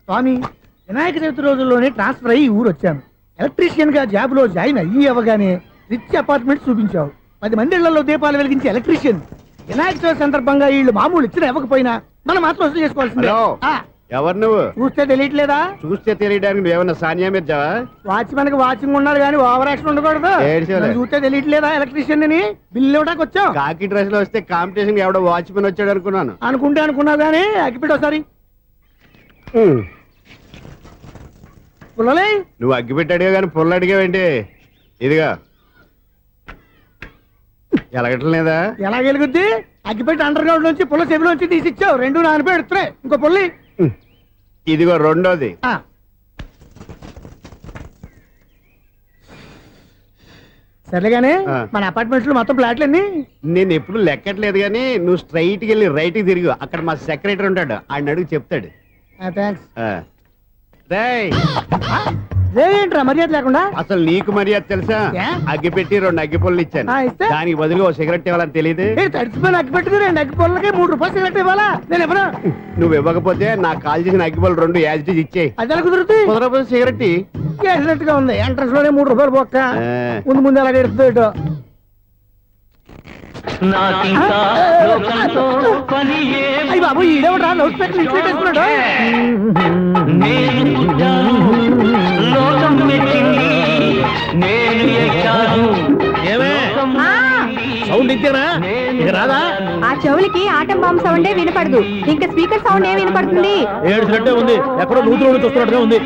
స్వామి, వినాయక చవితి రోజుల్లోనే ట్రాన్స్ఫర్ అయ్యి ఊరు వచ్చాను. ఎలక్ట్రీషియన్ గా జాబ్ లో జాయిన్ అయ్యి అవ్వగానే రిచ్ అపార్ట్మెంట్ చూపించావు. 10 మంది ఇళ్లలో దీపాలు వెలిగించే ఎలక్ట్రీషియన్. వినాయక చవితి సందర్భంగా వీళ్ళు మామూలు ఇచ్చిన ఇవ్వకపోయినా మనం మాత్రం వసూలు చేసుకోవాల్సిందే. ఎవరు నువ్వు? చూస్తే తెలియట్లేదా? చూస్తే తెలియడానికి నువ్వేమన్నా సానియా మీర్జావా? వాచ్మెన్ కి వాచింగ్ ఉండాలి కానీ ఓవర్ యాక్షన్ ఉండకూడదు. చూస్తే తెలియట్లేదా ఎలక్ట్రీషియన్ అని? బిల్లు ఇవ్వడానికి వచ్చావు. కాకి డ్రెస్ లో వస్తే కాంపిటీషన్ ఎవడో వాచ్మెన్ వచ్చాడు అనుకున్నాను. అనుకున్నావు కానీ అగ్గిపెట్టి ఒకసారి. పుల్లలే నువ్వు అగ్గిపెట్టి అడిగా కానీ పుల్ల అడిగావేంటి? ఇదిగా ఎలగట్లేదా? ఎలా వెలుగుద్ది? అగ్గిపెట్టి అండర్ గ్రౌండ్ నుంచి పుల్ల చెవిలోంచి తీసిచ్చావు. 2 నానపై ఎడుతున్నాయి. ఇంకో పుల్లి ఇదిగో రెండోది. సరేగానే మన అపార్ట్మెంట్స్ లో మొత్తం ఫ్లాట్లు అన్ని నేను ఎప్పుడు లెక్కట్లేదు కానీ నువ్వు స్ట్రైట్ కి వెళ్ళి రైట్ కి తిరిగి అక్కడ మా సెక్రటరీ ఉంటాడు, ఆయన అడుగు చెప్తాడు. ఏంట్రా మర్యాద లేకుండా? అసలు నీకు మర్యాద తెలుసా? అగ్గి పెట్టి 2 అగ్గి పుల్లలు ఇచ్చాను, దానికి బదులు ఓ సిగరెట్ ఇవ్వాలని తెలియదు. తడిచిపోయిన అగ్గి పెట్టి 2 అగ్గి పుల్లలకి 3 రూపాయలు సిగరెట్ ఇవ్వాలా? నేను ఎవరు? నువ్వు ఇవ్వకపోతే నాకు కాల్ చేసిన అగ్గి పుల్లలు 2 యాజిటీస్ ఇచ్చేయి. అది ఎలా కుదురుతుంది? కుదరకపోతే సిగరెట్ గా ఉంది. ఎంట్రన్స్ లోనే 3 రూపాయలు పోక్క. ముందు అలాగే ఎడుతుంది. అయ్యి బాబు, ఈడేవడా లౌడ్ స్పీకర్ ఇన్స్టేట్ చేసుకున్నాడు? సౌండ్ ఇచ్చారా? రాదా? ఆ చెవులకి ఆటం బాంబు సౌండే వినపడదు, ఇంకా స్పీకర్ సౌండ్ ఏ వినపడుతుంది? ఏడ్చినట్టే ఉంది. ఎక్కడో నూతులు చూస్తున్నట్టుగా ఉంది.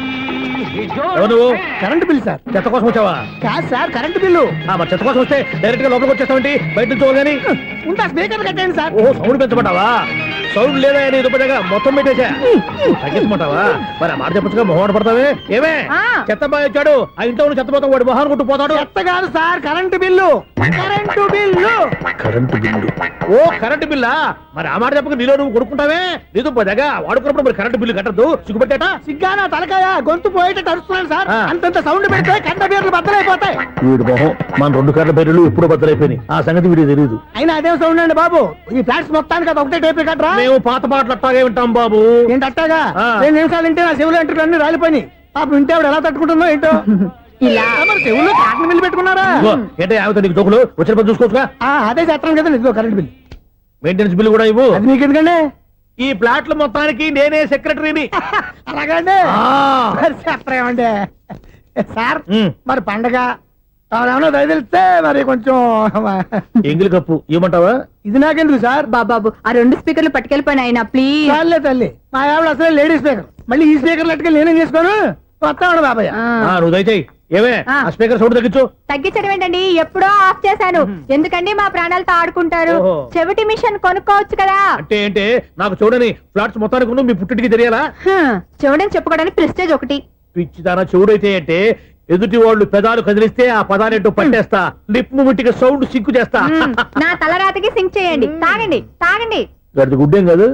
ఎవరు? Current bill sir. చెత్త కోసం వచ్చావా? కాదు సార్, కరెంట్ బిల్లు. మరి చెత్త కోసం వస్తే డైరెక్ట్ గా లోపలికి వచ్చేస్తామంటే బయట నుంచి కానీ ఉంటా. స్పీకర్ కట్టండి సార్. ఓ సౌండ్ పెంచమంటావా? సౌండ్ లేదా నీ దుబ్బగా మొత్తం పెట్టేసా. తగ్గించమంటావా? మరి ఆ మాట చెప్పచ్చుగా మొహం పడతావే. ఏమే చెత్త బాయ్ వచ్చాడు, ఆ ఇంట్లో చెత్త పోతాం, వాడు మొహాన్ని కొట్టు పోతాడు. చెత్త కాదు sir, current bill. Current bill. Current bill. ఓ కరెంటు బిల్లా? మరి ఆ మాట చెప్పక నీలో నువ్వు కొడుకుంటావే. నీదు పోదాగా వాడుకున్నప్పుడు మరి కరెంటు బిల్లు కట్టద్దు. సిగ్గుపెట్టేట? సిగ్గానా తలకాయ? గొంతు పోయేటట్టు అరుస్తున్నాను సార్. అంతంత సౌండ్ పెడితే కంట బీర్లు బద్దలైపోతాయి. వీడు మొహం మన 2 కర్ల బీర్లు ఎప్పుడు బద్దలైపోయినాయి. ఆ సంగతి వీడికి తెలియదు. అయినా అదే సౌండ్ అండి బాబు. ఈ ఫ్లాట్స్ మొత్తానికి అది ఒకటే టేప్ కట్టరా? మేము పాత పాటలు అట్టాగే వింటాం బాబు. ఏంటి అట్టాగా? 2 నిమిషాలు వింటే నా చెవులు ఎంటర్ అన్ని రాలిపోయినాయి. పాప వింటే ఆవిడ ఎలా తట్టుకుంటుందో ఏంటో. ఇలా మరి చెవుల్లో కాటన్ బిల్లు పెట్టుకున్నారా? ఏంటో యావత నీకు దోకులు వచ్చిన పని చూసుకోవచ్చుగా. అదే చేస్తాను కదా. ఇదిగో కరెంట్ బిల్, మెయింటెనెన్స్ బిల్లు కూడా ఇవ్వు. అది మీకు ఎందుకండి? ఈ ఫ్లాట్ల మొత్తానికి నేనే సెక్రటరీని. అలాగండి. చెప్పరేమండి సార్? మరి పండగ ఏమన్నా దయదలిస్తే మరి కొంచెం ఎంగిలి కప్పు ఇవ్వమంటావా? ఇది నాకెందుకు సార్? బాబాబు, ఆ 2 స్పీకర్లు పట్టుకెళ్ళిపోయిన ఆయన ప్లీజ్. చాలే తల్లి, మా ఆవిడ అసలే లేడీ స్పీకర్. మళ్ళీ ఈ స్పీకర్ లెట్టుకెళ్ళి నేనేం చేసుకోను? వస్తాడు బాబాయ్. నువ్వు దయచేయి. ఏమే ఆ స్పీకర్ సౌండ్ తగ్గించు. తగ్గించడం ఏంటండి? ఎప్పుడో ఆఫ్ చేశాను. ఎందుకండి మా ప్రాణాలతో ఆడుకుంటారు? చెవిటి మిషన్ కొనుక్కోవచ్చు కదా. అంటే ఏంటి? నాకు చూడని ఫ్లాట్స్ మొత్తానికి మీ పుట్టింటికి తెలియాలా? చూడని చెప్పుకోవడానికి ప్రెస్టేజ్ ఒకటి. పిచ్చిదానా చూడైతే అంటే ఎదుటి వాళ్ళు పెదాలు కదిలిస్తే ఆ పదాలేంటో పట్టేస్తా. లిప్ ముట్టికి సౌండ్ సింకు చేస్తా. నా తలరాతకి సింక్ చేయండి. తాగండి తాగండి. గడిది గుడ్డేం కాదు.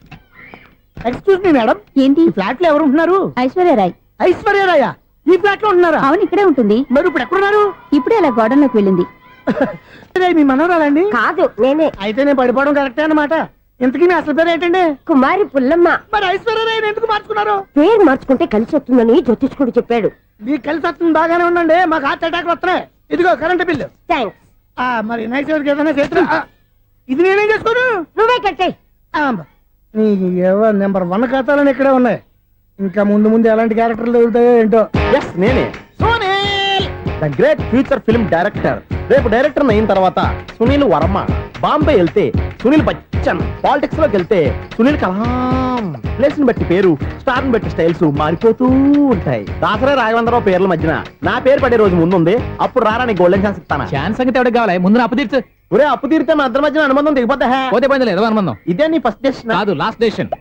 ఎక్స్క్యూజ్ మీ మేడం, ఏంటి? ఫ్లాట్ లో ఎవరు ఉంటున్నారు? ఐశ్వర్యరాయ్. ఐశ్వర్యరాయ ఈ ఫ్లాట్ లో ఉంటున్నారా? అవును, ఇక్కడే ఉంటుంది. మరి ఇప్పుడు ఎక్కడున్నారు? ఇప్పుడే అలా గోడంలోకి వెళ్ళింది. మీ మనవరాలండి? కాదు, నేనే. అయితే నేను పడిపోవడం కరెక్టే అన్నమాట. ఇంతకీ మీ అసలు పేరు ఏంటండి? కుమారి పుల్లమ్మ. మరి ఐశ్వర్యరాయని ఎందుకు మార్చుకున్నారు? పేరు మార్చుకుంటే కలిసి వస్తుందని జ్యోతిష్కుడు చెప్పాడు. మీకు కలిసి వస్తుంది, బాగానే ఉండండి. మాకు హార్ట్ అటాక్ వస్తున్నాయి. ఇదిగో కరెంట్ బిల్లు. థ్యాంక్స్. మరి నైట్ ఏదైనా చేతున్నా ఇది నేనేం చేసుకోను? నువ్వే కట్టాయి. నెంబర్ 1 ఖాతాలని ఇక్కడే ఉన్నాయి. ఇంకా ముందు ఎలాంటి క్యారెక్టర్లు దొరుకుతాయో ఏంటో. నేనే the great future film director. రేపు డైరెక్టర్ అయిన తర్వాత సునీల్ వర్మ. బాంబే వెళ్తే సునీల్ బచ్చన్. పాలిటిక్స్ లోకి వెళ్తే సునీల్ కలాం. ప్లేస్ ని బట్టి పేరు, స్టార్ ని బట్టి స్టైల్స్ మారిపోతూ ఉంటాయి. దాసరే రాఘవేంద్రరావు పేర్ల మధ్యన నా పేరు పడే రోజు ముందుంది. అప్పుడు రారా నీ గోల్డెన్ ఛాన్స్ ఇస్తానా? ఛాన్స్ సంగతి ఎవరికి కావాలి? ముందు అప్పు తీర్చు. ఒరే అప్పు తీరితే మన ఇద్దరి మధ్యన అనుబంధం దిగిపోతా. పోతే పోయింది లేదు అనుబంధం. ఇదే నీ ఫస్ట్ డెసిషన్ కాదు, లాస్ట్ డెసిషన్.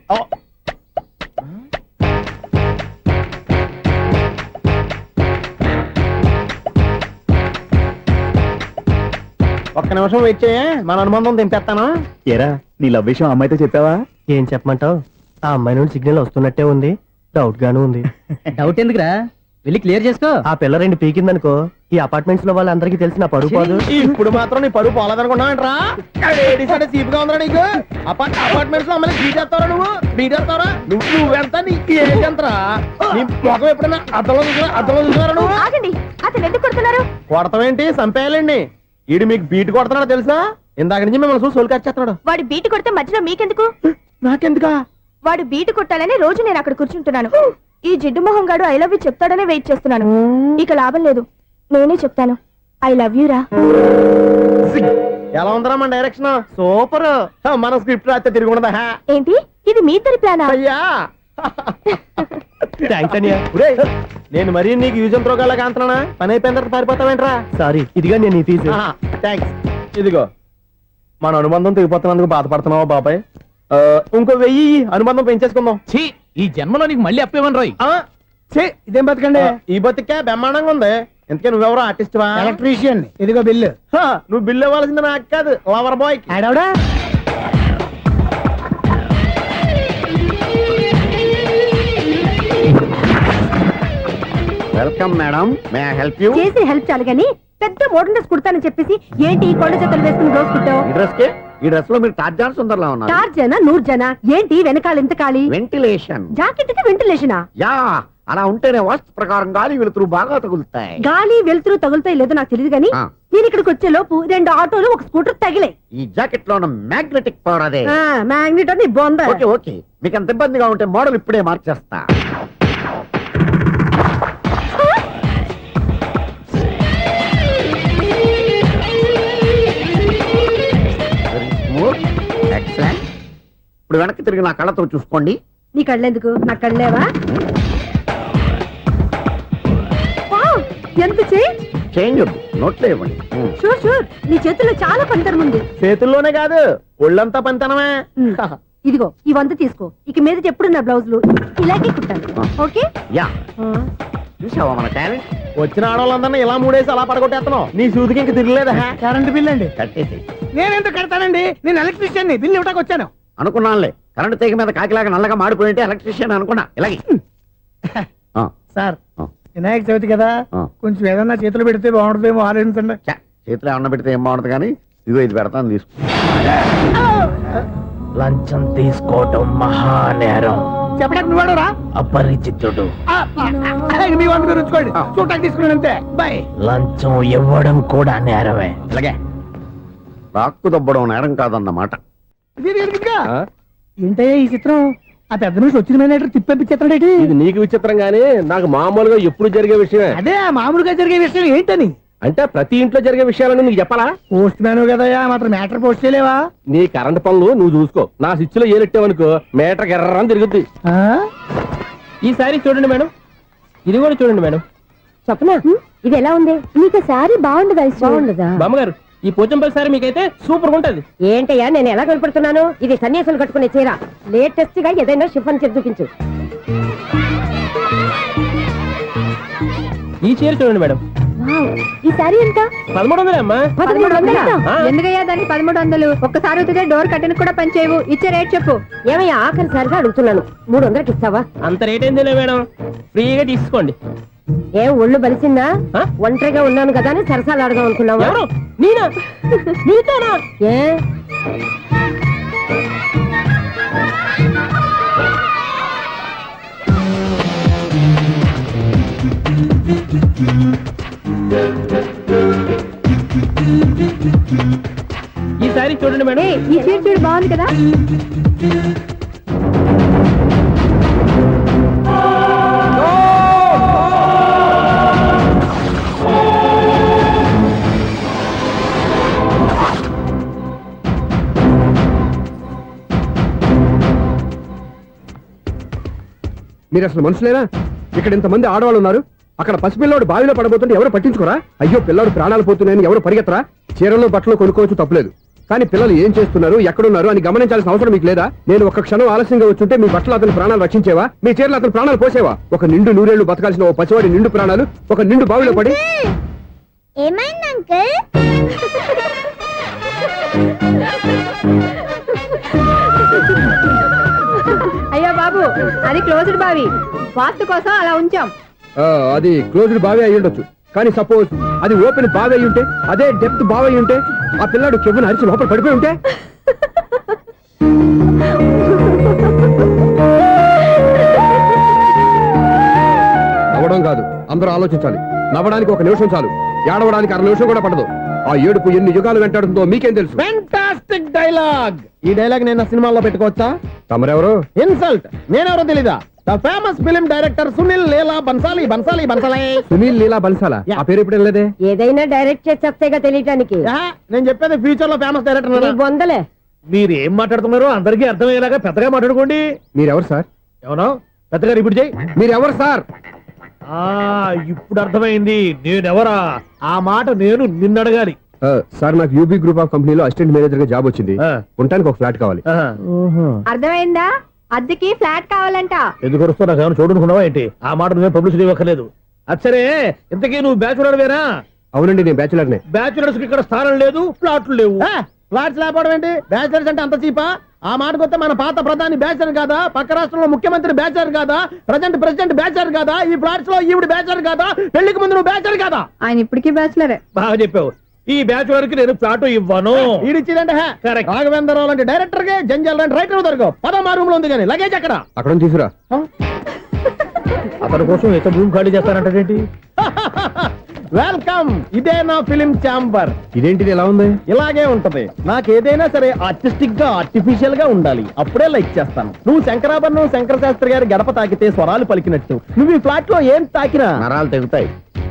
ఒక్క నిమిషం వెయిట్ చేయ, మన అనుబంధం దింపేస్తాను. ఏరా నీ లవ్ విషయం అమ్మాయితో చెప్పావా? ఏం చెప్పమంటావు? ఆ అమ్మాయి నుండి సిగ్నల్ వస్తున్నట్టే ఉంది, డౌట్ గాను ఉంది. డౌట్ ఎందుకురా? వెళ్ళి క్లియర్ చేసుకో. ఆ పిల్ల రెండు పీకిందనుకో ఈ అపార్ట్మెంట్స్ లో వాళ్ళందరికీ తెలిసిన పరుగు పోదు. ఇప్పుడు మాత్రం నీ పరుగు పోలేదనుకున్నావంటరా? సీపుగా ఉందా నీకు? అపార్ట్మెంట్స్ లో అమ్మని బీటేస్తావరా నువ్వెంత నీకు ఏంటంతరా? నీ మొఖం ఎప్పుడైనా అర్థంలో చూసారా నువ్వు? ఆగండి, అతను ఎందుకు కొడుతున్నారు? కొడతావేంటి? చంపేయాలండి. ఈడు మీకు బీట్ కొడుతున్నాడు తెలుసా? ఇందాక నుంచి మిమ్మల్ని చూసి సోల్కొచ్చేస్తున్నాడు. వాడు బీటు కొడితే మధ్యలో మీకెందుకు? నాకెందుకా? వాడు బీటు కొట్టాలని రోజు నేను అక్కడ కూర్చుంటున్నాను. ఈ జిడ్డు మొహం గాడు ఐ లవ్ యూ చెప్తాడనే వెయిట్ చేస్తున్నాను. ఇక లాభం లేదు, నేనే చెప్తాను ఐ లవ్ యూ రా. ఎలా ఉందరా మన డైరెక్షన్? సూపర్. మన స్క్రిప్ట్ రాస్తే తిరిగి ఉండదా? ఏంటి ఇది మీ ఇద్దరి ప్లానా? అయ్యా థ్యాంక్స్ అనియా. నేను మరీ నీకు యూజ్ అంత రోగాలకు అంటున్నా. పని అయిపోయిన తర్వాత పారిపోతావేంట్రా? సారీ, ఇదిగా నేను ఈ ఫీజు. థ్యాంక్స్. ఇదిగో మన అనుబంధం తెగిపోతున్నందుకు బాధపడుతున్నావా బాబాయ్? ఇంకో 1000 అనుబంధం పెంచేసుకుందాం. ఛీ, ఈ జన్మలో నీకు మళ్ళీ అప్పేమని రాయి. ఇదేం బతికండి? ఈ బతికే బ్రహ్మాండంగా ఉంది. ఎందుకే నువ్వెవరో ఆర్టిస్ట్ వా? ఎలక్ట్రీషియన్. ఇదిగో బిల్లు. నువ్వు బిల్లు ఇవ్వాల్సింది నాకు కాదు, లవర్ బాయ్. ఆడవడా? Welcome madam, may I help you? చేసి హెల్ప్ చాలు గాని పెద్ద మోడల్ డ్రెస్ కుడతానని చెప్పేసి ఏంటి ఈ కొండ జతలు వేసుకుని రోజు కుట్టావు? ఈ డ్రెస్ లో మీరు టార్జాన్ సుందర్లా ఉన్నారు. చార్జనా 100 జనా ఏంటి వెనకాల ఎంత ఖాళీ? వెంటిలేషన్. జాకెట్ కి వెంటిలేషనా? యా, అలా ఉంటేనే వాస్తు ప్రకారం గాలి వెలుతురు బాగా తగులుతాయి. గాలి వెలుతురు తగులుతాయి లేదో నాకు తెలియదు గానీ నేను ఇక్కడికి వచ్చే లోపు 2 ఆటోలు ఒక స్కూటర్ తగిలే. ఈ జాకెట్ లో ఉన్న మ్యాగ్నెటిక్ పవర్ అదే. మ్యాగ్నెట్ అని బొంద. ఓకే ఓకే, మీకు అంత ఇబ్బందిగా ఉంటే మోడల్ ఇప్పుడే మార్చేస్తా. ఎక్సలెంట్. ఇప్పుడు వెనక్కి తిరిగి నా కళ్ళతో చూసుకోండి. నీ కళ్ళెందుకు? నా కళ్ళేవా? వావ్, ఎంత చేంజ్. చేంజ్ వద్దు, నోట్లో ఇవ్వండి. షూర్ షూర్, నీ చేతుల్లో చాలా పంతరం ఉంది. చేతుల్లోనే కాదు ఒళ్ళంతా పంతనమే. ఇదిగో ఈ 100 తీసుకో. ఇక మీద ఎప్పుడు నా బ్లౌజులు ఇలాగే కుట్టాను. ఓకే? యా, చూసావా మన టాలెంట్? వచ్చిన ఆడవాళ్ళందరినీ ఇలా మూడేసి అలా పడగొట్టేస్తున్నావు. నీ సూదికి ఇంక తిరగలేదా? కరెంట్ బిల్ అండి. కట్టేసి. నేనెందుకు కడతానండి? నేను ఎలక్ట్రీషియన్. బిల్లు ఇవ్వడానికి వచ్చాను. అనుకున్నానులే, కరెంట్ తీగ మీద కాకిలాగా నల్లగా మాడిపోయింటే ఎలక్ట్రీషియన్ అనుకున్నా. ఇలాగే సార్, వినాయక చవితి కదా, కొంచెం ఏదన్నా చేతులు పెడితే బాగుంటుందేమో ఆలోచించండి. చేతిలో అన్న పెడితే ఏం బాగుంటుంది కానీ ఇదిగో ఇది పెడతాను, తీసుకో. లంచం తీసుకోవటం మహానేరం. చెప్పడానికి నువ్వాడరా? అపరిచితుడు. మీ వంట మీరు ఉంచుకోండి, చూడటానికి తీసుకున్నాను అంతే. బాయ్. లంచం ఇవ్వడం కూడా నేరమే. ఇలాగే రాక్కు దబ్బడం నేరం కాదన్నమాట. ఏంటయ్యా ఈ చిత్రం? ఆ పెద్ద నుంచి వచ్చిన మేనేటర్ తిప్పించేస్తాడేటి? ఇది నీకు విచిత్రం గానీ నాకు మామూలుగా ఎప్పుడు జరిగే విషయమే. అదే మామూలుగా జరిగే విషయం ఏంటని? అంటే ప్రతి ఇంట్లో జరిగే విషయాలను నీకు చెప్పాలా? పోస్ట్ మ్యాన్ కదయ్యా, మాత్రం మ్యాటర్ పోస్ట్ చేయలేవా? నీ కరెంట్ పనులు నువ్వు చూసుకో. నా స్విచ్ లో ఏలెట్టావనుకో మీటర్ ఎర్రని తిరుగుద్ది. ఈసారి చూడండి మేడం, ఇది కూడా చూడండి మేడం. చెప్పనా, ఇది ఎలా ఉంది? నీకు సారీ బాగుండదా? బాగుండదా? బామ్మగారు, ఈ పోచంపల్లి సారీ మీకైతే సూపర్ ఉంటుంది. ఏంటయ్యా నేను ఎలా కనపడుతున్నాను? ఇది సన్యాసులు కట్టుకునే చీర. లేటెస్ట్ గా ఏదైనా షిఫాన్ చేసి చూపించు. ఈ చీర చూడండి మేడం. ఈ సారీ ఎంత? 1300 అమ్మా. 1300? ఎందుకయ్యా దానికి 1300? ఒక్కసారి అవుతుందే డోర్ కట్టెన్ కూడా పనిచేయవు. ఇచ్చే రేట్ చెప్పు. ఏమయ్యా ఆఖరిసారిగా అడుగుతున్నాను, 300కి ఇస్తావా? అంత రేట్ ఏందిలే మేడం, ఫ్రీగా తీసుకోండి. ఏం ఒళ్ళు బలిసిందా? ఒంటరిగా ఉన్నాను కదా అని సరసాలు అడదాం అనుకున్నావా? ఎవరు? నేనా? నీతోనా? ఏ ఈ సారీ చూడండి మేడం. ఈ చీర చూడు, బాగుంది కదా? మీరు అసలు మనుషులేనా? ఇక్కడ ఇంతమంది ఆడవాళ్ళు ఉన్నారు, అక్కడ పసిపిల్లాడు బావిలో పడబోతుంటే ఎవరు పట్టించుకోరా? అయ్యో పిల్లాడు ప్రాణాలు పోతున్నాయని ఎవరు పరిగెత్తరా? చీరలు బట్టలు కొనుక్కోవచ్చు, తప్పులేదు. కానీ పిల్లలు ఏం చేస్తున్నారు, ఎక్కడున్నారు అని గమనించాల్సిన అవసరం మీకు లేదా? నేను ఒక్క క్షణం ఆలస్యంగా వచ్చుంటే మీ బట్టలు అతని ప్రాణాలు రక్షించేవా? మీ చీరలు అతని ప్రాణాలు పోసేవా? ఒక నిండు నూరేళ్లు బతకాల్సిన ఓ పసివాడి నిండు ప్రాణాలు ఒక నిండు బావిలో పడి. ఏమైంది అంకుల్? అయ్యో బాబు, అది క్లోజ్డ్ బావి, వాస్తు కోసం అలా ఉంచాం. అది క్లోజ్డ్ బావి అయి ఉండొచ్చు కానీ సపోజ్ అది ఓపెన్ బావి అయి ఉంటే, అదే డెప్త్ బావి అయి ఉంటే, ఆ పిల్లాడు కెవ్వున అరిచి లోపల పడిపోయి ఉంటే, నవ్వడం కాదు, అందరూ ఆలోచించాలి. నవ్వడానికి 1 నిమిషం చాలు, ఏడవడానికి 1/2 నిమిషం కూడా పడదు. ఆ ఏడుపు ఎన్ని యుగాలు వెంటాడుతుందో మీకేం తెలుసు? Fantastic dialogue. ఈ డైలాగ్ నేను సినిమాలో పెట్టుకోవచ్చా? తమరెవరు? ఇన్సల్ట్. నేనెవరో తెలీదా? The famous film director Sunil Leela Bhansali. Bhansali Bhansali Sunil Leela బన్సాలా? ఆ పేరు ఇప్పుడు లేదే. ఏదైనా డైరెక్ట్ చేసి వస్తేగా తెలియటానికి. నేను చెప్పేది ఫ్యూచర్ లో ఫేమస్ డైరెక్టర్. బొందలే. మీరు ఏం మాట్లాడుతున్నారో అందరికీ అర్థమయ్యేలాగా పెద్దగా మాట్లాడుకోండి. మీరెవరు సార్? ఏమన్నా పెద్దగా రిపీట్ చేయి. మీరెవరు సార్? ఇప్పుడు అర్థమైంది నేనెవరా. ఆ మాట నేను నిన్ను అడగాలి. సార్ నాకు యూబీ గ్రూప్ ఆఫ్ కంపెనీలో అసిస్టెంట్ మేనేజర్ గా జాబ్ వచ్చింది. ఉండటానికి ఒక ఫ్లాట్ కావాలి. అర్థమైందా? అద్దెకి ఫ్లాట్ కావాలంట. ఎందుకు వస్తావు? నాకు ఏమైనా చూడనుకున్నావా ఏంటి? ఆ మాట నువ్వే పబ్లిసిటీ ఇవ్వక్కర్లేదు. అచ్చరే, ఇంతకీ నువ్వు బ్యాచులర్ వేరా? అవునండి, నేను బ్యాచులర్ నే. బ్యాచులర్స్ కి ఇక్కడ స్థానం లేదు, ప్లాట్లు లేవు. ఫ్లాట్స్ లేకపోవడం ఏంటి? బ్యాచిలర్స్ అంటే అంత చీపా? ఆ మాటకొస్తే మన పాత ప్రధాని బ్యాచర్ కాదా? పక్క రాష్ట్రంలో ముఖ్యమంత్రి బ్యాచర్ కాదా? ప్రెసిడెంట్ బ్యాచర్ కాదా? ఈ ఫ్లాట్స్ లో ఈవిడ బ్యాచర్ కాదా? పెళ్లికి ముందు నువ్వు బ్యాచర్ కాదా? ఆయన ఇప్పటికీ బ్యాచులరే. బాగా చెప్పావు. ఈ బ్యాచులర్ కి నేను ప్లాట్ ఇవ్వను. ఈడిచ్చిందంటే రాఘవేంద్రరావు లాంటి డైరెక్టర్ కి జంజల్ లాంటి రైటర్ దొరకవు. పదమా రూమ్ లో ఉంది కానీ లగేజ్ అక్కడ. అక్కడ తీసుకురా. అతని కోసం ఎంత భూమి ఖాళీ చేస్తానంటే వెల్కమ్. ఇదే నా ఫిలిం ఛాంబర్. ఇదేంటిది ఎలా ఉంది? ఇలాగే ఉంటది. నాకు ఏదైనా సరే ఆర్టిస్టిక్ గా ఆర్టిఫిషియల్ గా ఉండాలి, అప్పుడే లైక్ చేస్తాను. నువ్వు శంకరాభరణం శంకర శాస్త్రి గారి గడప తాకితే స్వరాలు పలికినట్టు నువ్వు ఈ ఫ్లాట్ లో ఏం తాకినా నరాలు తెగుతాయి.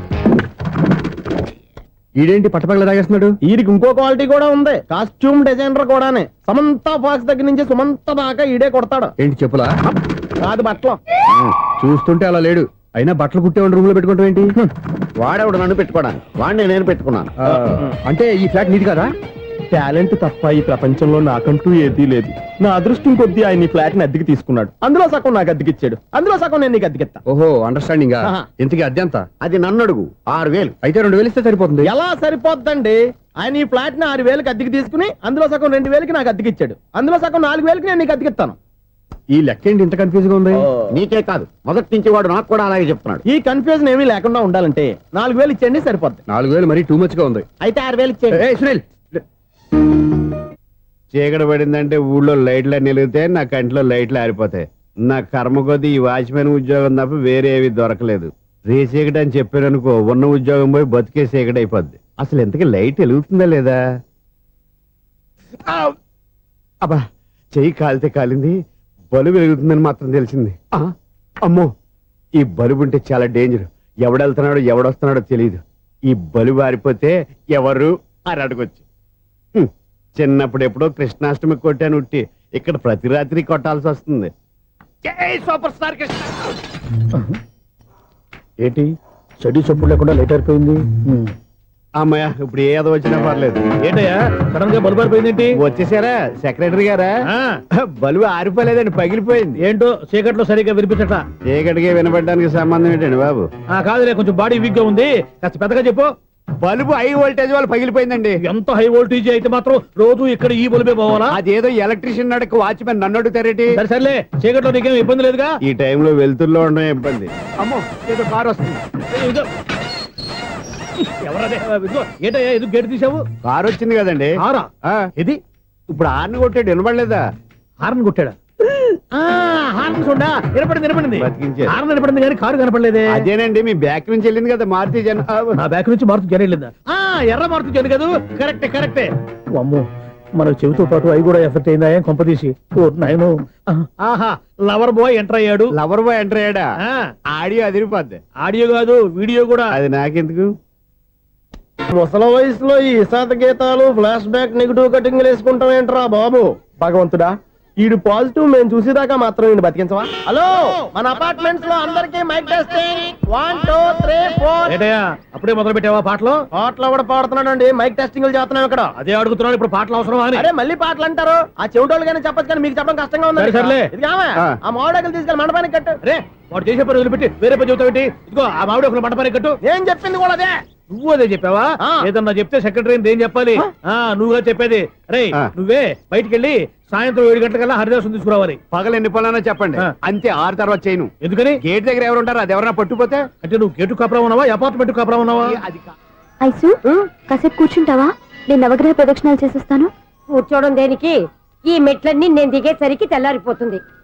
ఈడేంటి పట్టపగల తాగేస్తున్నాడు? వీరికి ఇంకో క్వాలిటీ కూడా ఉంది. కాస్ట్యూమ్ డిజైనర్ కూడానే. సమంత ఫాక్స్ దగ్గర నుంచి సుమంత దాకా ఈడే కొడతాడు. ఏంటి చెప్పులా? కాదు బట్టలు. చూస్తుంటే అలా లేడు. అయినా బట్టలు కుట్టేవాడి రూమ్ లో పెట్టుకుంటాం ఏంటి? వాడేవాడు నన్ను పెట్టుకోవడానికి, వాడిని నేను పెట్టుకున్నాను. అంటే ఈ ఫ్లాట్ నీది కదా? టాలెంట్ తప్ప ఈ ప్రపంచంలో నాకంటూ ఏదీ లేదు. నా అదృష్టం కొద్దీ ఆయన ఈ ఫ్లాట్ ని అద్దెకి తీసుకున్నాడు. అందులో సగం నాకు అద్దెకిచ్చాడు, అందులో సగం నేను నీకు అద్దెకిస్తా. ఓహో, అండర్స్టాండింగ్. ఇంతకీ అద్దె ఎంత? అది నన్ను అడుగు. 6,000. అయితే 2,000 ఇస్తే సరిపోతుంది. ఎలా సరిపోద్దండి? ఆయన ఈ ఫ్లాట్ ని 6,000కి అద్దెకి తీసుకుని అందులో సగం 2,000కి నాకు అద్దెకిచ్చాడు, అందులో సగం 4,000కి నేను నీకు అద్దెకిస్తాను. ఈ లెక్క ఏంటి ఇంత కన్ఫ్యూజ్ గా ఉంది? నీకే కాదు, మొదటి నుంచి వాడు నాకు కూడా అలాగే చెప్తున్నాడు. ఈ కన్ఫ్యూజన్ ఏమీ లేకుండా ఉండాలంటే 4,000 ఇచ్చేయండి, సరిపోద్ది. 4,000 మరీ టూ మచ్ గా ఉంది. అయితే 6,000 ఇచ్చేయండి. ఏయ్ సునీల్, చీకటి పడిందంటే ఊళ్ళో లైట్లు నిలిగితే నా కంటిలో లైట్లు ఆరిపోతాయి. నా కర్మ కొద్దీ ఈ వాచ్మెన్ ఉద్యోగం తప్ప వేరే ఏవి దొరకలేదు. రేసీకటి అని చెప్పారనుకో, ఉన్న ఉద్యోగం పోయి బతికే చీకటి అయిపోద్ది. అసలు ఎంతకీ లైట్ వెలుగుతుందా లేదా? అబ్బా, చెయ్యి కాలితే కాలింది, బలుబు వెలుగుతుందని మాత్రం తెలిసింది. అమ్మో, ఈ బలుబు ఉంటే చాలా డేంజర్. ఎవడెళ్తున్నాడో ఎవడొస్తున్నాడో తెలియదు. ఈ బలుబు ఆరిపోతే ఎవరు అని అడగొచ్చు. చిన్నప్పుడు ఎప్పుడో కృష్ణాష్టమి కొట్టాను ఉట్టి, ఇక్కడ ప్రతి రాత్రి కొట్టాల్సి వస్తుంది. జై సూపర్ స్టార్ కృష్ణ. ఏంటి చెడు చప్పుడు లేకుండా లేట్ అయిపోయింది. అమ్మయ్య, ఇప్పుడు ఏదో వచ్చినా పర్లేదు. ఏంటయ్యా సడన్ గా బల్బు అయిపోయింది ఏంటి? వచ్చేసారా సెక్రటరీ గారా? బలుబు ఆరిపోలేదండి, పగిలిపోయింది. ఏంటో చీకట్లో సరిగ్గా వినిపించట. చీకటికి వినపడడానికి సంబంధం ఏంటండి బాబు? కాదులే, కొంచెం బాడీ వీక్ గా ఉంది, కాస్త పెద్దగా చెప్పు. బల్బు హై వోల్టేజ్ వాళ్ళు పగిలిపోయిందండి. ఎంత హై వోల్టేజ్ అయితే మాత్రం రోజు ఇక్కడ ఈ బల్బే పోవాలా? అదేదో ఎలక్ట్రీషియన్ నడక వాచ్మెన్ నన్ను అడుగుతారేటి? సరే సర్లే, చీకట్లో నీకేం ఇబ్బంది లేదుగా? ఈ టైంలో వెళ్తుల్లో ఉండడం ఇబ్బంది. అమ్మో, ఏదో కారు వస్తుంది. ఇదిగో. ఎవరదే? ఇదిగో, ఏంటయ్యా ఎందుకు గేట్ తీసావు? కారు వచ్చింది కదండి. కారా? ఇది ఇప్పుడు ఆర్ని కొట్టాడు, వినపడలేదా? హార్న్ కొట్టాడా? హార్న్ చూడా వినపడింది. బతికించాడు. హార్న్ వినపడింది కానీ కారు కనపడలేదే. అదేనండి, మీ బ్యాక్ నుంచి వెళ్ళింది కదా మారుతి జన. నా బ్యాక్ నుంచి మారుతు జరగలేదా? ఎర్ర మారుతు జరు కదా. కరెక్టే. అమ్మో, మన చెవితో పాటు అవి కూడా ఎఫెక్ట్ అయిందా కొంపదీసి? నాయను. ఆహా, లవర్ బాయ్ ఎంటర్ అయ్యాడు. లవర్ బాయ్ ఎంటర్ అయ్యాడా? ఆడియో అదిరిపోద్ది. ఆడియో కాదు, వీడియో కూడా. అది నాకెందుకు? ముసల వయసులో ఈ ఇసాత గీతాలు, ఫ్లాష్ బ్యాక్, నెగిటివ్ కటింగ్ వేసుకుంటాం ఏంట్రా బాబు? భగవంతుడా, ఈడు పాజిటివ్ మేము చూసేదాకా మాత్రం ఈయన బతికించవా? హలో, మన అపార్ట్మెంట్స్ లో అందరికీ మైక్ టెస్టింగ్. 1 2 3 4. ఏంటయ్యా అప్పుడే మొదలు పెట్టావా పాటలు? పాటలు కూడా పాడుతున్నాడు అండి, మైక్ టెస్టింగ్ చేస్తున్నాం ఇక్కడ. అదే అడుగుతున్నాడు, ఇప్పుడు పాటలు అవసరమా అని. అరే మళ్ళీ పాటలు అంటారు, ఆ చెవిటోళ్ళు కానీ చెప్పచ్చు కానీ మీకు చెప్పడం కష్టంగా ఉంది. సర్లే. ఆ మామిడాకులు తీసుకెళ్ళి మండపానికి కట్టు. రే, వాడు చేసే పని వదిలిపెట్టి వేరే పని చెబుతావు ఏంటి? ఇదిగో ఆ మామిడి ఒక మంటపానికి కట్టు. నేను చెప్పింది కూడా అదే. నువ్వు అదే చెప్పావా ఆ. ఏదన్నా చెప్తే సెక్రటరీ ఏం చెప్పాలి నువ్వుగా చెప్పేది రే ఆ. నువ్వే బయటికి వెళ్ళి సాయంత్రం 7 గంటలకల్లా హరిదాసం తీసుకురావాలి పగలు ఎన్ని పనులన్నా చెప్పండి ఆ. అంతే 6 తర్వాత చేయను ఎందుకని గేట్ దగ్గర ఎవరు ఉంటారు అది ఎవరన్నా పట్టుపోతే అంటే నువ్వు గేటు కాపురా ఉన్నావా అపార్ట్మెంట్ కాపురా ఉన్నావా అది ఐసు కాసేపు కూర్చుంటావా నేను నవగ్రహ ప్రదక్షిణాలు చేసేస్తాను. కూర్చోవడం దేనికి? ఈ మెట్లన్నీ నేను దిగేసరికి తెల్లారిపోతుంది.